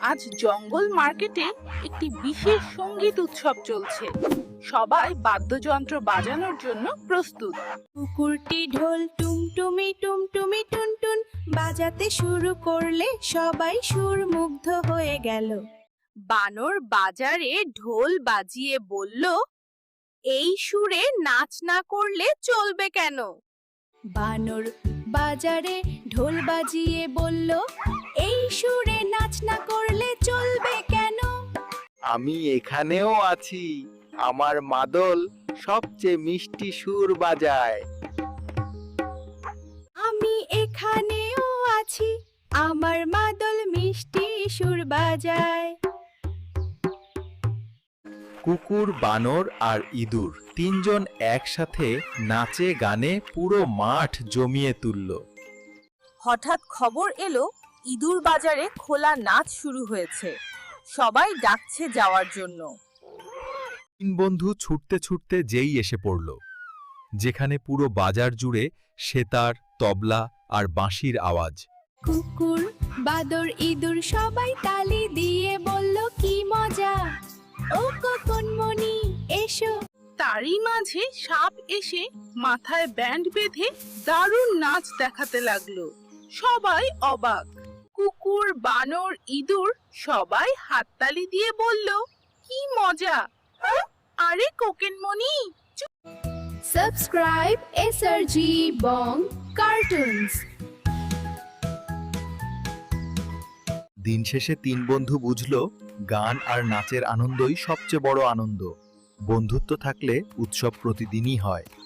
আজ জঙ্গল মার্কেটে একটি বিশেষ সঙ্গীত উৎসব চলছে। সবাই বাদ্যযন্ত্র বাজানোর জন্য প্রস্তুত। কুকুরটি ঢোল টুমটুমি টুমটুমি টুনটুন বাজাতে শুরু করলে সবাই সুরমুগ্ধ হয়ে গেল। বানর বাজারে ঢোল বাজিয়ে বলল, এই সুরে নাচ না করলে চলবে কেন? বানর বাজারে ঢোল বাজিয়ে বলল, এই সুরে নাচ না করলে চলবে কেন? আমি এখানেও আছি, আমার মাদল সবচেয়ে মিষ্টি সুর বাজায়। আমি এখানেও আছি, আমার মাদল মিষ্টি সুর বাজায়। কুকুর, বানর আর ইঁদুর তিনজন একসাথে নাচে গানে পুরো মাঠ জমিয়ে তুলল। হঠাৎ খবর এলো ইঁদুর বাজারে খোলা নাচ শুরু হয়েছে। সবাই ডাকছে যাওয়ার জন্য। তিন বন্ধু ছুটতে ছুটতে যেই এসে পড়ল, যেখানে পুরো বাজার জুড়ে সেতার, তবলা আর বাঁশির আওয়াজ। কুকুর, বাদর, ইঁদুর সবাই তালি দিয়ে বলল, কি মজা! ও ককনমণি, এসো। তারই মাঝে সাপ এসে মাথায় ব্যান্ড বেঁধে দারুণ নাচ দেখাতে লাগলো। সবাই অবাক। কুকুর, বানর, ইঁদুর সবাই হাততালি দিয়ে বলল, কি মজা! আরে কোকেনমণি, সাবস্ক্রাইব এসআরজি বং কার্টুনস। দিন শেষে তিন বন্ধু বুঝল, গান আর নাচের আনন্দই সবচেয়ে বড় আনন্দ। বন্ধুত্ব থাকলে উৎসব প্রতিদিনই হয়।